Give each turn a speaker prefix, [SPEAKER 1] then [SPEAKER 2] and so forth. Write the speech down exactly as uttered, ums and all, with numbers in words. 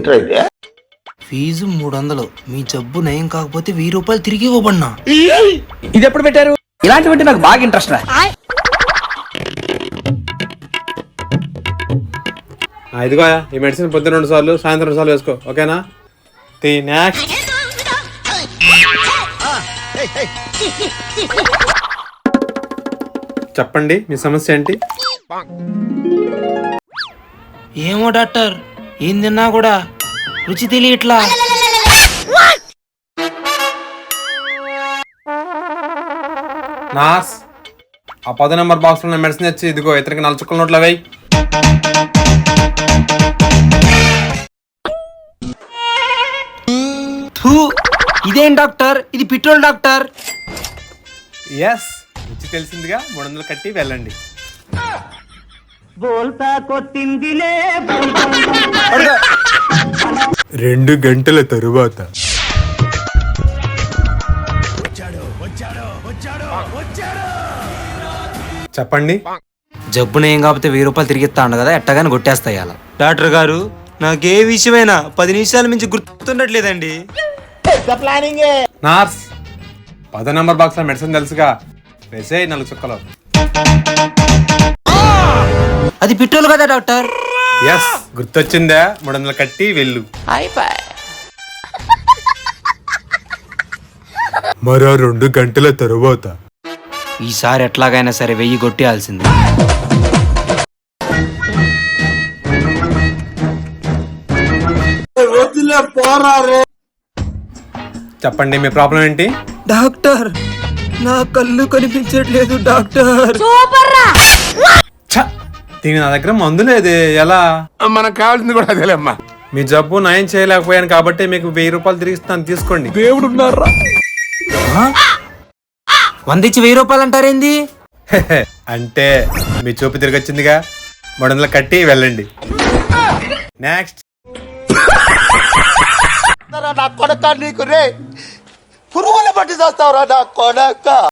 [SPEAKER 1] ఏంట్రా ఇది?
[SPEAKER 2] ఫీజు మూడు వందలు, మీ జబ్బు నయం కాకపోతే వెయ్యి రూపాయలు తిరిగి ఇవ్వబడినా.
[SPEAKER 3] ఇది ఎప్పుడు పెట్టారు? ఇలాంటివంటే నాకు బాగా ఇంట్రెస్ట్ రా.
[SPEAKER 4] ఇదిగో ఈ మెడిసిన్ పొద్దున్న రెండు సార్లు సాయంత్రం రెండు సార్లు వేసుకో, ఓకేనా? తి నెక్స్ట్. చెప్పండి మీ సమస్య ఏంటి?
[SPEAKER 2] ఏమో డాక్టర్, ఏం తిన్నా కూడా రుచి తెలియట్లా.
[SPEAKER 4] నాస్, ఆ పది నెంబర్ బాక్స్ లో మెడిసిన్ తెచ్చి ఇదిగో ఇతనికి నల్ల చుక్కల నోట్లో వేయి.
[SPEAKER 2] ఇదేం డాక్టర్, ఇది పెట్రోల్ డాక్టర్.
[SPEAKER 4] ఎస్, రుచి తెలిసిందిగా, మూడు వందలు కట్టి వెళ్ళండి. రెండు గంటల తరువాత చెప్పండి.
[SPEAKER 2] జబ్బు నయం కాకపోతే వెయ్యి రూపాయలు తిరిగి ఇస్తా ఉండ కదా, ఎట్టగానే కొట్టేస్తాయి అలా. డాక్టర్ గారు, నాకే విషయమైనా పది నిమిషాల మించి గుర్తుండట్లేదండి.
[SPEAKER 4] నార్స్, పదో నెంబర్ బాక్స్ లో మెడిసిన్ తెలుసుగా, వేసే నాలుగు చుక్కలు.
[SPEAKER 2] అది పెట్రోల్ కదా డాక్టర్.
[SPEAKER 4] ఎస్, గుర్తొచ్చిందా, మూడు వందలు కట్టి వెళ్ళు. మరో రెండు గంటల తరువాత
[SPEAKER 2] ఈసారి ఎట్లాగైనా సరే వెయ్యి కొట్టేయాల్సింది.
[SPEAKER 4] చెప్పండి మీ ప్రాబ్లం ఏంటి?
[SPEAKER 2] డాక్టర్, నా కళ్ళు కనిపించట్లేదు డాక్టర్.
[SPEAKER 4] ఛ, దీని నా దగ్గర మందు లేదే, ఎలా?
[SPEAKER 1] మనకు కావాల్సింది కూడా అదేలేమ్మా.
[SPEAKER 4] మీ జబ్బు నయం చేయలేకపోయాను కాబట్టి మీకు వెయ్యి రూపాయలు తిరిగి ఇస్తాను, తీసుకోండి.
[SPEAKER 1] దేవుడు ఉన్నారా?
[SPEAKER 2] వంద ఇచ్చి వెయ్యి రూపాయలు అంటారేంది?
[SPEAKER 4] అంటే మీ చూపు తిరిగి వచ్చిందిగా, మూడు వందలు కట్టి వెళ్ళండి. నెక్స్ట్.
[SPEAKER 1] నా కొడక, నీకు రే పురుగుల పట్టి చేస్తావురా నా కొడక.